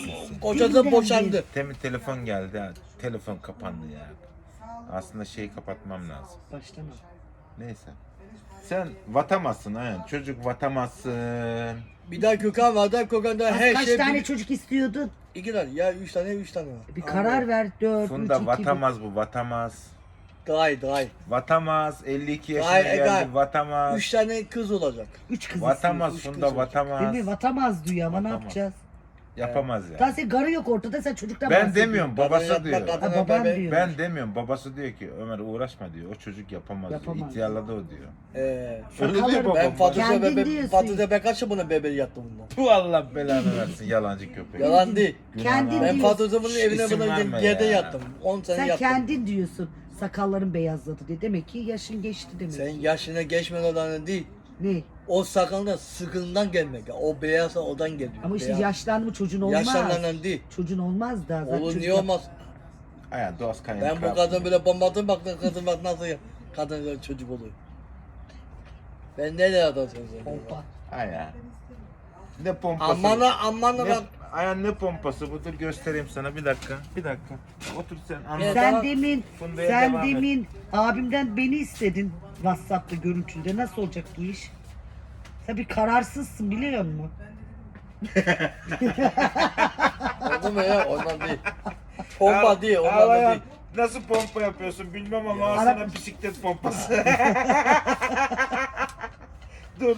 Kocası boşandı. Temin telefon geldi. Ha. Telefon kapandı ya. Aslında şeyi kapatmam lazım. Baştan al. Neyse. Sen vatamazsın ha. Çocuk vatamazsın. Bir daha Gökhan vardı. Gökhan'da her Kaç şey... tane çocuk istiyordun? 2 tane. Ya 3 tane, 3 tane var. Bir karar ver. 4, 3, 2, Funda 1. vatamaz bu, vatamaz. Day. Vatamaz. 52 yaşına Ay, geldi, Egal. vatamaz. 3 tane kız olacak. 3 kız Vatamaz istiyor. Funda, vatamaz. Değil mi? Vatamaz diyor ama ne Vatamaz. yapacağız? Yapamaz ya. Daha senin garı yok ortada, sen çocuktan Ben bahsediyorsun. demiyorum, babası Kadın diyor. yapma, kadın Ha, baban bebe- diyor. Ben demiyorum, babası diyor ki Ömer uğraşma diyor. O çocuk yapamaz, diyor. Yapamaz. İhtiyarladı o diyor. Ee, Öyle Sakalları- diyor babam. ben Fatih'e Kendin bebe, diyorsun. Fatih'e kaç bunun bebeği yattım bundan. Bu Allah belanı versin yalancı köpek. Yalan değil. Kendin Ben diyorsun. Fatih'e bunun evine İsim bunun verme yerde ya. yattım. 10 sene Sen yattım. kendin diyorsun. Sakalların beyazladı diye. Demek ki yaşın geçti demek. Sen yaşına geçmeden değil. Ne? O sakalda sıkından gelmek. Ya. O beyaz odan geliyor. Ama işte Beyaz. yaşlandı mı çocuğun olmaz. Yaşlanan değil. Çocuğun olmaz da. Zaten Olur çocuk niye olmaz? Aya doğas kayın. Ben bu kadın böyle bombadım baktım kadın bak nasıl ya. Kadın böyle çocuk oluyor. Ben nereye atacağım seni? Pompa. Aya. Ne pompası? Aman Ne, bak. aya ne pompası bu? Dur göstereyim sana bir dakika. Bir dakika. Otur sen anlat. Evet. Sen Tamam. demin, Funda'ya sen devam et. demin abimden beni istedin WhatsApp'ta görüntülde. Nasıl olacak bu iş? Sen bir kararsızsın biliyor musun? Oldu mu ya? Ondan değil. Pompa değil, ondan da değil. Nasıl pompa yapıyorsun bilmem ama al Ara- sana bisiklet pompası. dur.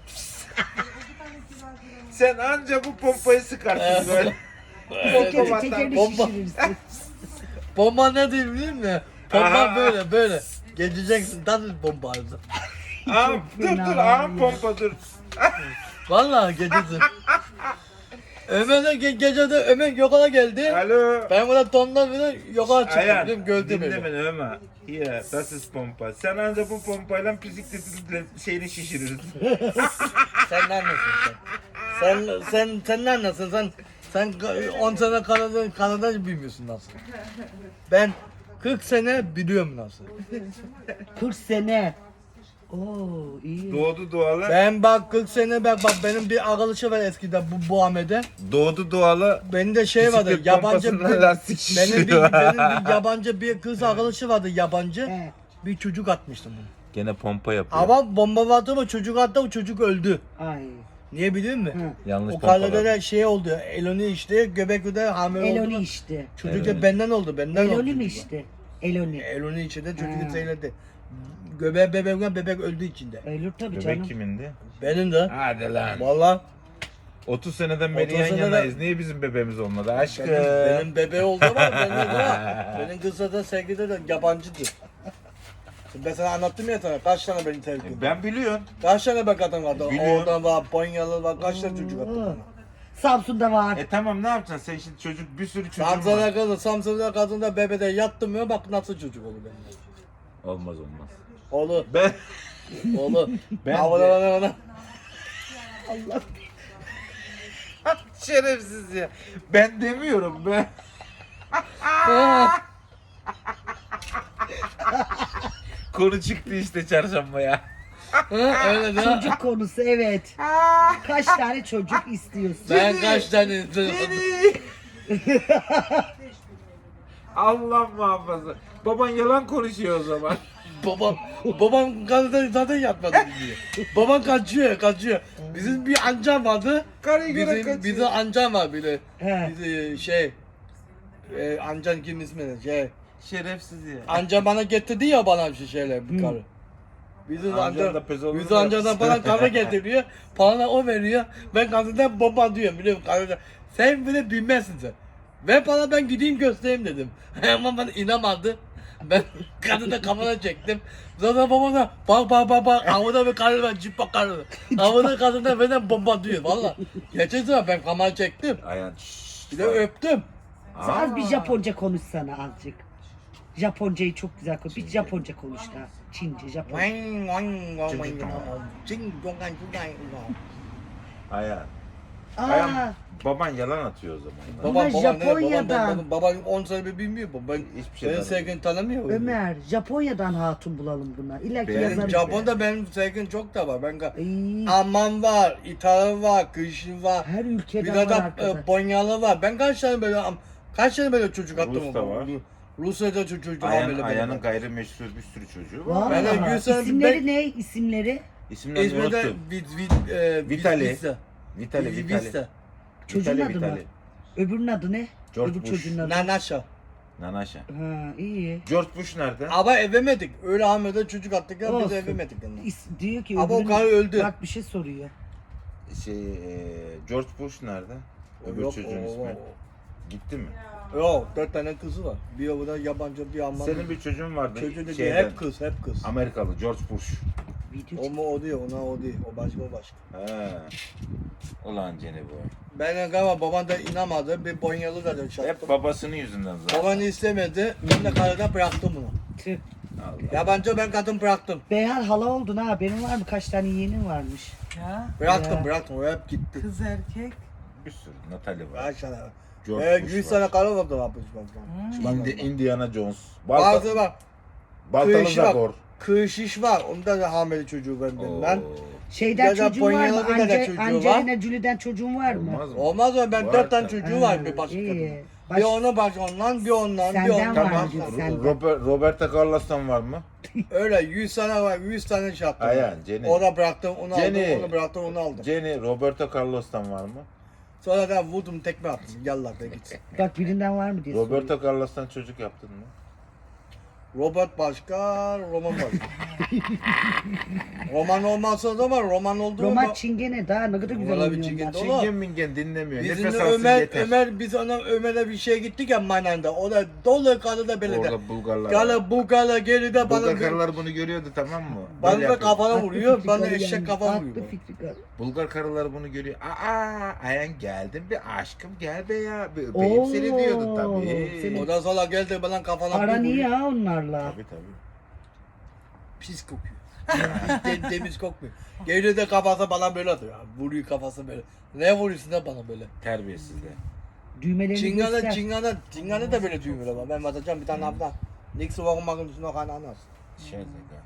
Sen anca bu pompayı sıkarsın böyle. Tekerini tekerini Bomba. şişirirsin. Bomba ne diyeyim biliyor musun? Pompa Aha. böyle. Geçeceksin nasıl bomba ağzı. Aa, dur fena aa ya. pompa dur. Vallahi geçeceksin. Ömer de gecede Ömer yola geldi. Alo. Ben burada tondan bile yola çıktım. Ayan, Dedim gördü dinle beni. beni Ömer. Here, das ist pompa. Sen anca bu pompayla bisikletin şeyini şişirirsin. Sen ne anlasın sen ne anlasın sen 10 sene Kanada bilmiyorsun nasıl. Ben 40 sene biliyorum nasıl. 40 sene. Oo iyi. Doğdu doğalı. Ben bak 40 sene bak benim bir arkadaşı var eskiden bu Ahmet'e. Doğdu doğalı. Benim de şey vardı Bisiklet yabancı pompasından lastik benim şişiriyor. benim bir yabancı bir kız arkadaşı vardı yabancı. He. Bir çocuk atmıştım bunu. Gene pompa yapıyor. Ama bomba vardı ama çocuk attı o çocuk öldü. Ay. Niye biliyor musun? Hı. Yanlış O pompalar. kalede de şey oldu. Eloni işte göbekte hamile Eloni oldu. işte. Çocuk da benden oldu. Benden oldu. Eloni mi çocuk. işte? Eloni. Eloni içinde çocuk Ha. zeyledi. Göbeğe bebek öldü içinde. Ölür tabii Bebek canım. kimindi? Benim de. Hadi lan. Valla 30 seneden 30 beri yan seneden- yanayız. Niye bizim bebeğimiz olmadı? Aşkım. benim bebeği oldu ama benim kız zaten sevgide de yabancıydı. Şimdi ben sana anlattım ya sana kaç tane beni terk etti. Ben biliyorum. Kaç tane be kadın vardı? Biliyorum. Oradan var, Ponyalı var, kaç tane çocuk attı bana. Samsun'da var. Tamam ne yapacaksın? Sen şimdi çocuk bir sürü çocuğun Samsun'a var. kadın, Samsun'a kadın da bebede yattım ya bak nasıl çocuk olur benim. Olmaz. Olur, Ben olur. Ben Havada de- bana. Allah. şerefsiz ya. Ben demiyorum ben. Konu çıktı işte çarşambaya. Öyle de. Çocuk konusu evet. Kaç tane çocuk istiyorsun? Ben kaç tane Allah muhafaza. Baban yalan konuşuyor o zaman. babam kadın zaten yatmadı diyor. Babam kaçıyor. Bizim bir amcam vardı. Karıya göre kaçıyor. Bizim amcam var bile. He. Bizi amcan kim ismi ne? Şerefsiz ya. Amca bana getirdi ya bana bir şeyler bir karı. Bizim Amcan da pezolunu bizim amcadan yapsın. bana karı getiriyor. Bana o veriyor. Ben kadından baba diyorum biliyor musun? Kadına, sen bile bilmezsin sen. Ve bana ben gideyim göstereyim dedim. Ama bana inanmadı. Ben kadını kafana çektim. Zaten baba da bak havada bir karı var cip bak karı. Havada kadına benden bomba diyor valla. Geçen sefer ben kamera çektim. Ayan. Bir de öptüm. Sen az bir Japonca konuşsana azıcık. Japoncayı çok güzel konuş. Bir Japonca konuş da. Çince, Japonca. Ayan. Ayağım, Aa, baban yalan atıyor o zaman. Bunlar Japonya'dan. Babam 10 sene bir bilmiyor bu. Ben Hiçbir şey benim tanımıyor. sevgilini tanımıyor. Ömer, Japonya'dan hatun bulalım buna. İlla ki Beğendim. yazarız. Benim Japon'da benim sevgilim çok da var. Ben Ay, Alman var, İtalyan var, Kışın var. her Bir ülkeden de var arkadaş. Bonyalı var. Ben kaç tane böyle çocuk attım. Rus da var. Rusya'da çocuk var böyle. Aya'nın gayrimeşru bir sürü çocuğu var. Vallahi. Ben de 100 sene- İsimleri ne? İsimleri? İsimlerini İzmir'de unuttum. Vitali. Vitali. Çocuğun Vitali, adı mı? Vitali. Öbürünün adı ne? George Öbür Bush. çocuğun adı. Nanaşa. Nanaşa. Ha, iyi. George Bush nerede? Ama evemedik. Öyle Ahmet'e çocuk attık ya biz Olsun. evemedik. Yani. Diyor ki Ama o öbürünün- karı öldü. Bak bir şey soruyor. George Bush nerede? Öbür Yok, çocuğun ismi. Gitti mi? Yok 4 tane kızı var. Bir burada yabancı bir Alman. Senin bir çocuğun vardı. Çocuğu dedi şeyden, hep kız. Amerikalı George Bush. Video O mu o değil, ona o değil. O başka. He. Ulan Cene bu. Ben galiba baban da inanmadı. Bir Bonyalı da Hep çaktım. babasının yüzünden zaten. Baban istemedi. Ben de karıda bıraktım bunu. Tüh. Allah. Yabancı ben kadın bıraktım. Beyhan hala oldun ha. Haberin var mı? Kaç tane yeğenin varmış? Ya Bıraktım Ya. bıraktım. O hep gitti. kız erkek. Bir sürü. Natalie var. Kaç tane var. George Bush 100 var. tane karı vardı yapmış bak. Indiana Jones. Bazı var. Baltalı Kıyışı var. Zagor. Kıyışış var. Onda da hamile çocuğu ben. Oo. Şeyden Ya da çocuğun var mı? Polonyalı bir tane çocuğu var. Angelina Jolie'den çocuğun var mı? Olmaz mı? Olmaz mı? Ben Var 4 tane tabii. çocuğu var bir başka iyi. kadın. Baş- Bir onu ondan, bir ondan, bir Senden ondan. var Tamam. diyor, senden. Roberto Carlos'tan var mı? Öyle 100 tane var, 100 tane şey yaptım. Aynen, Jenny. O da bıraktım, onu Jenny. aldım, onu bıraktım, onu aldım. Jenny, Roberto Carlos'tan var mı? Sonra da vurdum tekme attım. Yallah da git. Bak birinden var mı diye soruyor. Roberto Carlos'tan çocuk yaptın mı? Robert başka, Roman başka. Roman olmazsa da var, Roman oldu mu? Roma Çingene daha ne kadar güzel Vallahi bir oynuyorlar. Çingene. Oğlum. Çingen mingen dinlemiyor. Bizim Nefes de alsın yeter. Ömer'e bir şeye gittik ya Manay'da. O da dolu karı da böyle de. Orada Bulgarlar. Gala bu gala geride bana Bulgar karılar bunu görüyordu, tamam mı? bana Böyle da yapıyor. kafana Aklı vuruyor, fikri bana karı eşek yani. kafa Aklı vuruyor. fikri karı. Bulgar karılar bunu görüyor. Ayan geldim bir aşkım gel be ya. Beyim seni diyordu tabii. Senin- Ondan sonra geldi bana kafana Aran bir iyi vuruyor. ha onlarla. Tabii. Pis kokuyor. Hiç temiz kokmuyor. Geliyor da kafası bana böyle atıyor. Vuruyor kafası böyle. Ne vuruyorsun da bana böyle? Terbiyesizler. Düğmelerini göster. Çingana da böyle düğümler var. Ben batacağım bir tane abla. Nix'i bakmak için o kadar anlar. Şey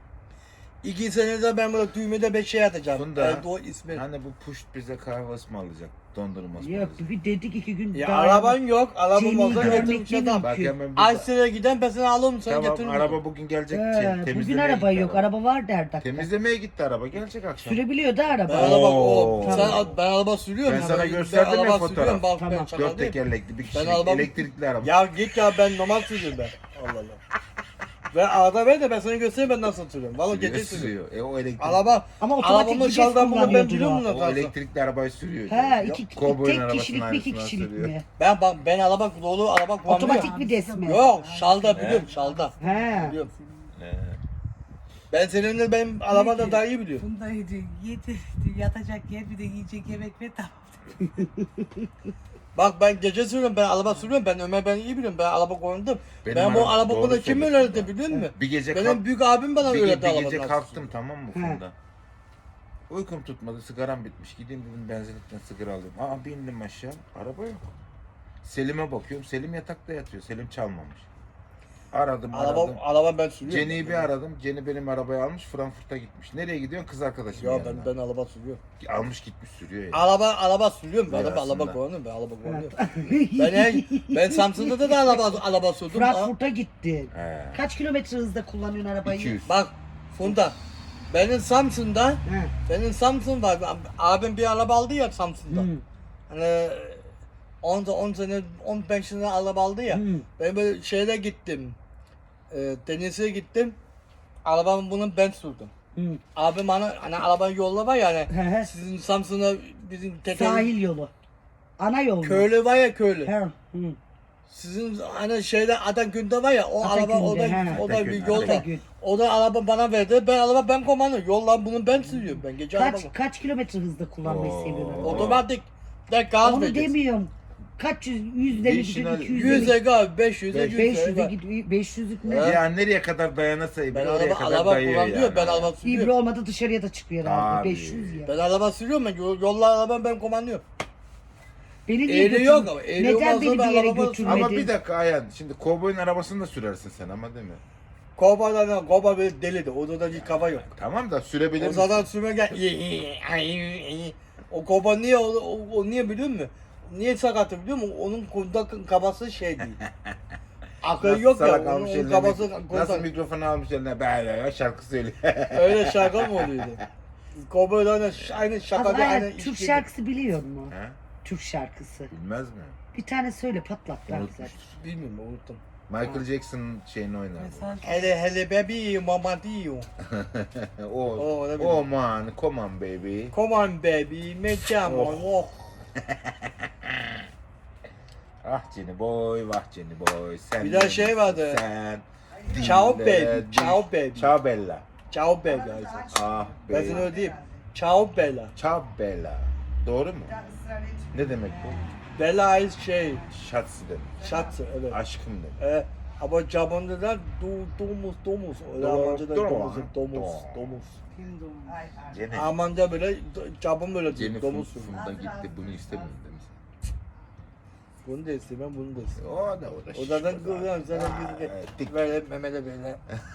2 senede ben böyle düğmede 5 şey atacağım. Bunda- O ismi. Hani bu puşt bize kahve ısmarlayacak. Dondurma Yok ısmarlayacak. bir dedik 2 gün Ya daha. araban yok. Arabam Jenny'yi olsa görmek getirmiş değil adam. mi? Bak hemen bir Ayşe'ye giden ben seni alırım sen Tamam getirin. araba bugün gelecek. Bugün temizlemeye araba gitti yok. Araba var der dakika. Temizlemeye gitti araba. Gelecek akşam. Sürebiliyor da Ben araba. araba Oo. ben araba sürüyorum. Ben ya. sana gösterdim ya araba fotoğraf. sürüyorum, Bak Tamam. ben çakal 4 değilim. tekerlekli bir kişilik araba- elektrikli araba. Ya git ya ben normal sürüyorum ben. Allah Allah. Ben arada ver de ben sana göstereyim ben nasıl sürüyorum. Valla Sürüyor, gece sürüyorum. sürüyor. O elektrikli. Araba, Ama otomatik arabamın vites şalgamını ben kullanıyordur biliyor o. musun? O Tarzı? elektrikli arabayı sürüyor. He Yok, iki, kovboyun tek arabasının kişilik mi iki aynısından kişilik sürüyor. mi? Ben araba dolu araba kullanıyorum. Otomatik vites mi? Yok şalda biliyorum şalda. He. Biliyorum. He. Ben seninle benim arabada daha iyi biliyorum. Bundaydı. Yedi. Yatacak yer bir de yiyecek yemek ve tamam. Bak ben gece sürüyorum ben araba sürüyorum ben Ömer ben iyi biliyorum ben araba kullandım. Benim Ben bu araba- araba doğru bana kim söylüyorsun öğretti bak. biliyor musun? Bir gece Benim büyük abim bana bir öğretti gece araba. kalktım tamam mı He. Funda? Uykum tutmadı, sigaram bitmiş. Gideyim dedim benzinlikten sigara alayım. Aa bindim aşağı, araba yok. Selim'e bakıyorum, Selim yatakta yatıyor. Selim çalmamış. Aradım. Araba ben sürüyorum. Jenny'yi bir aradım. Jenny benim arabayı almış, Frankfurt'a gitmiş. Nereye gidiyorsun? Kız arkadaşım Ya yanına. ben araba sürüyorum. Almış gitmiş sürüyor ya. Araba sürüyorum ben araba Aslında. kullanıyorum ben araba kullanıyorum. ben Samsun'da da araba sürdüm. Frankfurt'a gittin. He. Kaç kilometre hızda kullanıyorsun arabayı? 200. Bak Funda benim Samsun'da var abim bir araba aldı ya Samsun'da. Hı. Hani 10 sene 15 sene araba aldı ya. Hı. Ben böyle şeyde gittim. Denize gittim. Arabamı bunun ben sürdüm. Hı. Abim bana hani arabanın yolu var ya He he. hani sizin Samsun'da bizim Sahil yolu. Ana yol mu? köylü var ya köylü. He. Hı. Sizin hani şeyde Atakün'de var ya o Atakün'de, araba he. o da bir Atakün, yol var. Atakün. O da araba bana verdi. Ben kullanıyorum. Yollar bunu ben sürüyorum. Ben gece araba. Kaç kilometre hızda kullanmayı Oo. seviyorsun arabayı? Otomatik. De gaz Onu vereceksin. demiyorum. Kaç yüzde mi gidiyor? 200'de mi? 100'e gaz, 500'e 500'e 100'e gidiyor. 500'lük ne? Evet. Ya nereye kadar dayanırsa Ben oraya kadar araba dayıyor kullanıyorum. yani. Ben araba İbre sürüyorum. olmadı dışarıya da çıkıyor herhalde. Tabii. 500 ya. Ben araba sürüyorum. Ben yollar araba ben kullanıyorum. Beni niye Eğri yok ama, eğri Neden olmazsa beni ben bir yere arabada götürmedin? Ama bir dakika Ayhan, şimdi kovboyun arabasını da sürersin sen ama değil mi? Koba böyle delidir. Orada bir kafa yok. Tamam da sürebilir O misin? zaten sürme gel. O koba niye o niye biliyor musun? Niye sakatı biliyor musun? Onun kundak kafası şey değil. Akıl Nasıl yok ya. salak Onun, almış onun eline kafası nasıl kundak. mikrofonu almış eline böyle şarkı söylüyor. Öyle şaka mı oluyordu? Koba öyle aynı şaka değil, Ayhan, aynı Türk iş gibi. şarkısı biliyor musun? He? Türk şarkısı. Bilmez mi? Bir tane söyle patlat ben Unutmuştur. zaten. Bilmiyorum unuttum. Michael Jackson'ın şeyini oynar. bu. Mesaj. Hele baby mama diyor. Oh, ne oh bileyim. man, come on baby. Come on baby, make jam on. Oh. Ah Jenny boy, vah Jenny boy. Sen Bir daha şey vardı. Sen. Ciao dillere baby, düş- ciao baby. Ciao bella. Ciao baby Isaac. Ah Ben sana baby. öyle diyeyim. Ciao Bella. Ciao bella. Doğru mu? Ne demek bu? Bella is şey, Şatsı demek. şatsı evet. Aşkım demek. Ama Japon'da da domuz. Öyle Almanca da domuz. Kim doğum? Jenny. Almanca böyle, Japon böyle diyor, Jenny domuz. Funda gitti bunu istemiyorum demiş. Bunu da istemem, bunu da istemem. O da O zaten şişko kıvıran, zaten Dik. bir böyle memede böyle.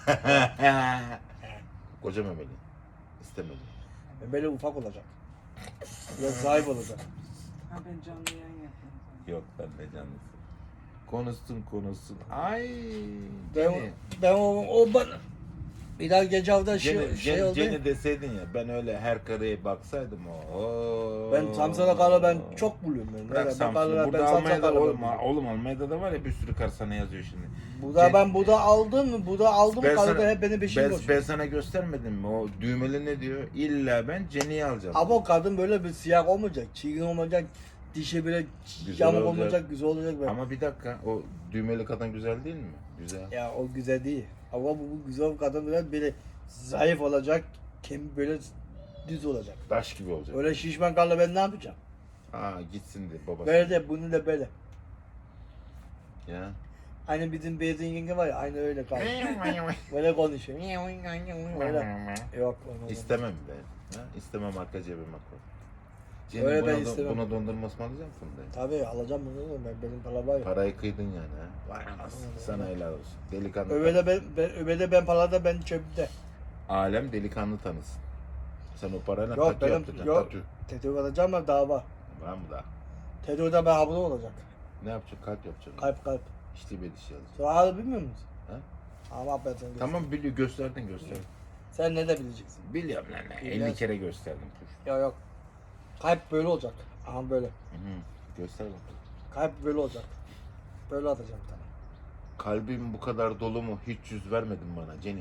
Koca memeli. İstemedim. Memeli ufak olacak. Biraz sahip olacak. Ha ben canlı yayın yapıyorum. Yok ben de canlısı. Konuşsun. Ay. Ben, Jenny. ben o bana bir daha gece hafta Jenny, şey oldu. Jenny deseydin ya ben öyle her kareye baksaydım o. Ben Samsun'a kadar ben çok buluyorum ben. Bırak Ben Samsun'u. karılar- Burada ben Samsun'a Almanya'da kadar oğlum, buluyorum. oğlum Almanya'da da var ya bir sürü kar sana yazıyor şimdi. Ben burada aldım mı? Burada aldım Ben karılar sana, hep beni peşime ben koşuyor. sana göstermedim mi? O düğmeli ne diyor? İlla ben Jenny'yi alacağım. Ama o kadın böyle bir siyah olmayacak, çirkin olmayacak, dişi böyle Güzel yamuk olacak. olmayacak, güzel olacak. Böyle. Ama bir dakika o düğmeli kadın güzel değil mi? Güzel. Ya o güzel değil. Ama bu güzel kadın böyle zayıf olacak, böyle düz olacak. Taş gibi olacak. Öyle şişman karla ben ne yapacağım? Gitsin de babası. Böyle de bunu da böyle. Ya. Aynı bizim Beyazın yenge var ya, aynı öyle kaldı. Böyle konuşuyor. Böyle. Yok. onu- İstemem ben. Ha? İstemem arka cebime koy. Jenny, Öyle ben buna, istemem. buna dondurma ısmarlayacak mısın de? Tabii alacağım bunu, benim para var ya. Parayı kıydın yani ha. Vay anasını. Sana helal olsun. Delikanlı. Öbede ben parada ben çöpte. Alem delikanlı tanısın. Sen o parayla Yok tatü benim yaptıracaksın. yok. Tatü. Tetüv alacağım ama daha var. Var mı daha? Tetüv'de ben hablo olacak. Ne yapacaksın? Kalp yapacaksın. Kalp. İşte bir dişi yazacaksın. Sonra hala bilmiyor musun? Ha? Ama ben sana Tamam biliyor gösterdin. Sen ne de bileceksin? Biliyorum lan. 50 Bilmez. kere gösterdim. Püf. Yok. Kalp böyle olacak. Aha böyle. Göster bakalım. Kalp böyle olacak. Böyle atacağım bir tane. Kalbim bu kadar dolu mu? Hiç yüz vermedin bana Jenny.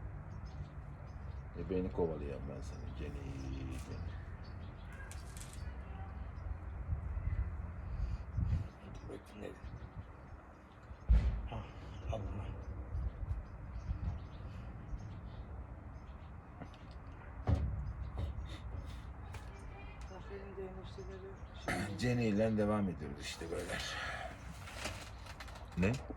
Beni kovalayayım ben seni Jenny. Ah, al bunu. Zafer'in de enişteleri. Jenny ile devam ediyoruz işte böyle. Ne?